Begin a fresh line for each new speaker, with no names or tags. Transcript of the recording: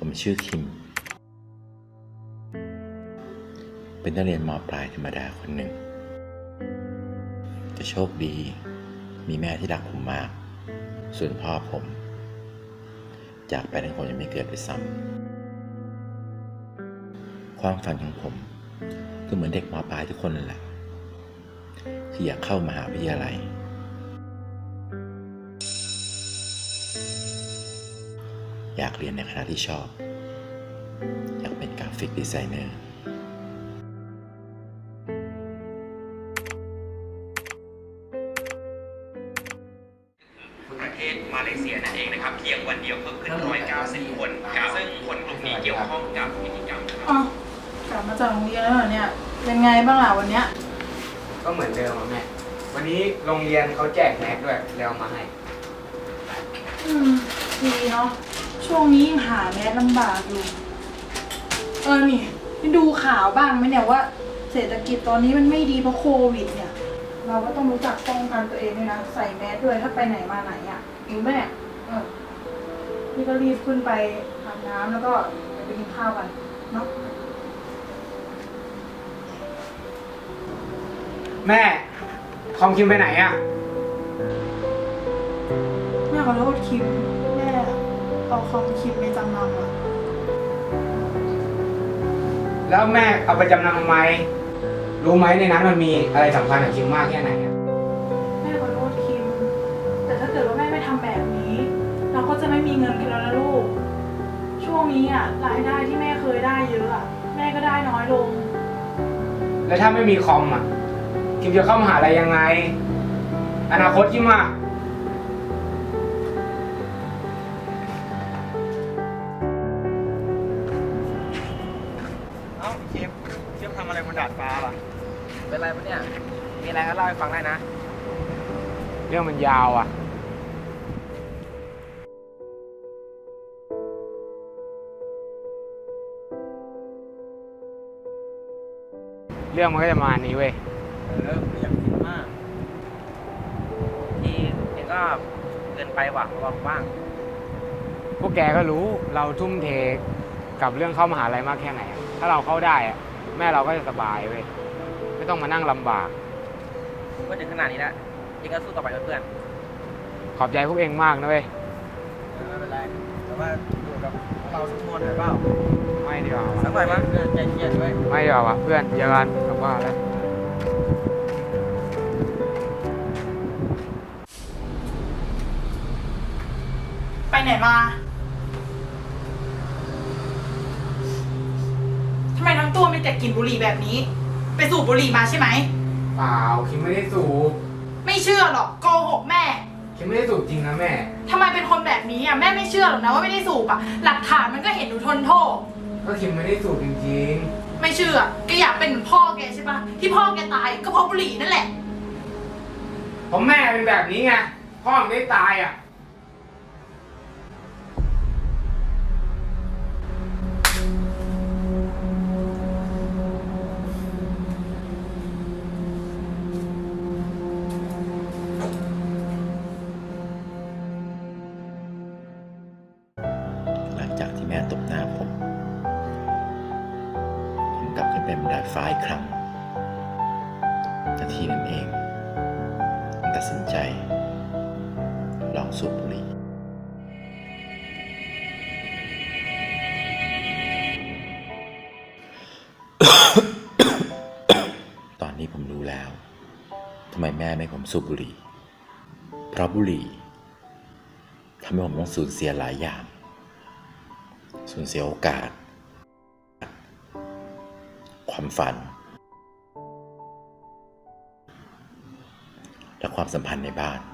ผมชื่อคิมเป็นนักเรียนม.ปลายธรรมดาคนหนึ่งแต่โชคดีมีแม่ที่รักผมมากส่วนพ่อผมจากไปตั้งผมยังไม่เกิดด้วยซ้ำความฝันของผมก็เหมือนเด็กม.ปลายทุกคนนั่นแหละที่อยากเข้ามหาวิทยาลัยอยากเรียนในคณะที่ชอบอยากเป็นกราฟิกดีไซเนอร์
ประเทศมาเลเซียนั่นเองนะครับเพียงวันเดียวเพิ่มขึ้น190 คนซึ่งคนกลุ่มนี้เกี่ยวข้องกับพิธีกรรม
อ๋อกลับมาจากโรงเรียนแล้วเหรอเนี่ยเป็นไงบ้างล่ะวันเนี้ย
ก็เหมือนเดิมอะแม่วันนี้โรงเรียนเขาแจกแม็กด้วยแล้วเอามาให้
ดีเนาะช่วงนี้หาแมสลำบากอยู่นี่ดูข่าวบ้างไหมเนี่ยว่าเศรษฐกิจตอนนี้มันไม่ดีเพราะโควิดเนี่ยเราก็ต้องรู้จักป้องกันตัวเองด้วยนะใส่แมสด้วยถ้าไปไหนมาไหนอ่ะรู้ไหมนี่ก็รีบขึ้นไปอาบน้ำแล้วก็ไปกินข้าวกันเนาะ
แม่คอมคิมไปไหนอะ
แม่ขอโทษคิมแม่เอาคอมคิมไปจำนำอ่ะ
แล้วแม่เอาไปจำนำทำไมรู้ไหมในนั้นมันมีอะไรสำคัญกับคิมมากแค่ไหนอะ
แม่ขอโทษคิมแต่ถ้าเกิดว่าแม่ไม่ทำแบบนี้เราก็จะไม่มีเงินกันแล้วนะลูกช่วงนี้อ่ะรายได้ที่แม่เคยได้เยอะอ่ะแม่ก็ได้น้อยลง
แล้วถ้าไม่มีคอมอะคิมจะเข้ามหาลัยยังไงอนาคตคิมอะ
คิมทำอะไรบนดาดฟ้าล่ะ
เป็นไรปะเนี่ยมีอะไรก็เล่าให้ฟังได้นะ
เรื่องมันยาวอะเรื่องมันก็จะมานี้เว้ย
ไม่อยากคิดมากที่เองก็เกินไปว่ะบอกบ้าง
พวกแกก็รู้เราทุ่มเทกับเรื่องเข้ามหาลัยมากแค่ไหนถ้าเราเข้าได้อะแม่เราก็จะสบายเว้ยไม่ต้องมานั่งลำบาก
ก็ถึงขนาดนี้แล้วเองก็สู้ต่อไปเพื่อน
ขอบใจพวกเองมากนะเว้ย
ไม่เป็นไรแต่ว่าอยู่กับเราสักมวนหน่อยเปล่า
ไม่ดีกว่า
สักหน่อยมั้ยใจเย็นด้วย
ไม่ดีกว่าเพื่อนเจอกันกลับบ้านแล้ว
ไปไหนมาทำไมทั้งตัวมีแต่กลิ่นบุหรี่แบบนี้ไปสูบบุหรี่มาใช่ไหม
เปล่าคิมไม่ได้สูบ
ไม่เชื่อหรอกโกหกแม่
คิมไม่ได้สูบจริงนะแม่
ทำไมเป็นคนแบบนี้อ่ะแม่ไม่เชื่อหรอกนะว่าไม่ได้สูบอ่ะหลักฐานมันก็เห็นหนูทนโทษ
ก็คิมไม่ได้สูบจริง
ๆไม่เชื่อแกอยากเป็นเหมือนพ่อแกใช่ปะที่พ่อแกตายก็เพราะบุหรี่นั่นแหละ
เพราะแม่เป็นแบบนี้ไงพ่อไม่ได้ตายอ่ะ
หลังจากที่แม่ตบหน้าผมกลับขึ้นไปบนดาดฟ้าอีกครั้งนาทีนั้นเองผมตัดสินใจลองสูบบุหรี่ตอนนี้ผมรู้แล้วทำไมแม่ไม่ให้ผมสูบบุหรี่เพราะบุหรี่ทำให้ผมต้องสูญเสียหลายอย่างสูญเสียโอกาสความฝันและความสัมพันธ์ในบ้าน